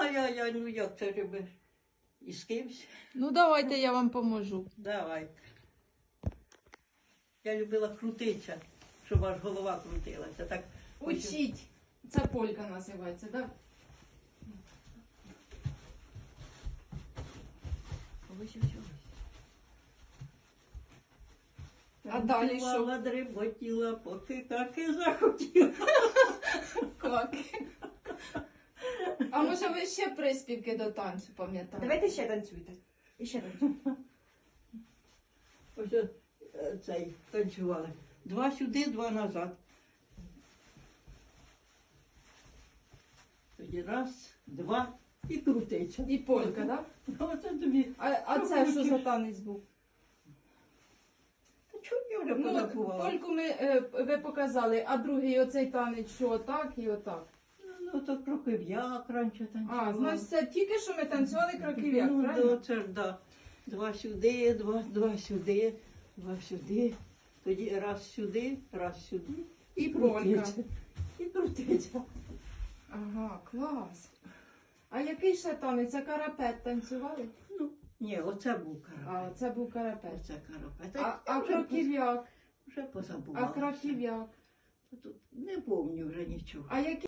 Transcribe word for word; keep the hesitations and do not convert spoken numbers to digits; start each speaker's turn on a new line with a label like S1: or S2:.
S1: Ай-яй-яй, ну як це робиш? І з кимсь?
S2: Ну давайте я вам поможу.
S1: Давай. Я любила крутитися, щоб аж голова крутилася. Так,
S2: Учіть. Це полька називається, так?
S1: ось, ось, ось.
S2: А далі що?
S1: Танцювала, дріботіла, поки так і захотіла.
S2: Кваки. А може ви ще приспівки до танцю пам'ятаєте?
S3: Давайте ще танцюйте. І ще танцюйте.
S1: Ось е, цей танцювали. Два сюди, два назад. Тоді раз, два і крутиться.
S2: І полька, так?
S1: Оце тобі.
S2: А, а це що за танець був?
S1: Та чому я вже
S2: Ну,
S1: позабувала?
S2: польку ми, е, ви показали, а другий оцей танець, що отак і отак.
S1: Ну, то кроків'як раніше танцювала.
S2: А, значить, це тільки що ми танцювали кроків'як,
S1: Ну,
S2: правильно?
S1: да, це ж, да. Два сюди, два, два сюди, два сюди. Тоді раз сюди, раз сюди. І
S2: Полька.
S1: крутиться. І крутиться.
S2: Ага, клас. А який ще танець? А карапет танцювали?
S1: Ну, ні, оце був карапет.
S2: А, це був карапет.
S1: Оце карапет.
S2: А,
S1: Я
S2: а
S1: вже
S2: кроків'як?
S1: Вже позабувала.
S2: А кроків'як?
S1: Тут не пам'ятаю вже нічого.
S2: А які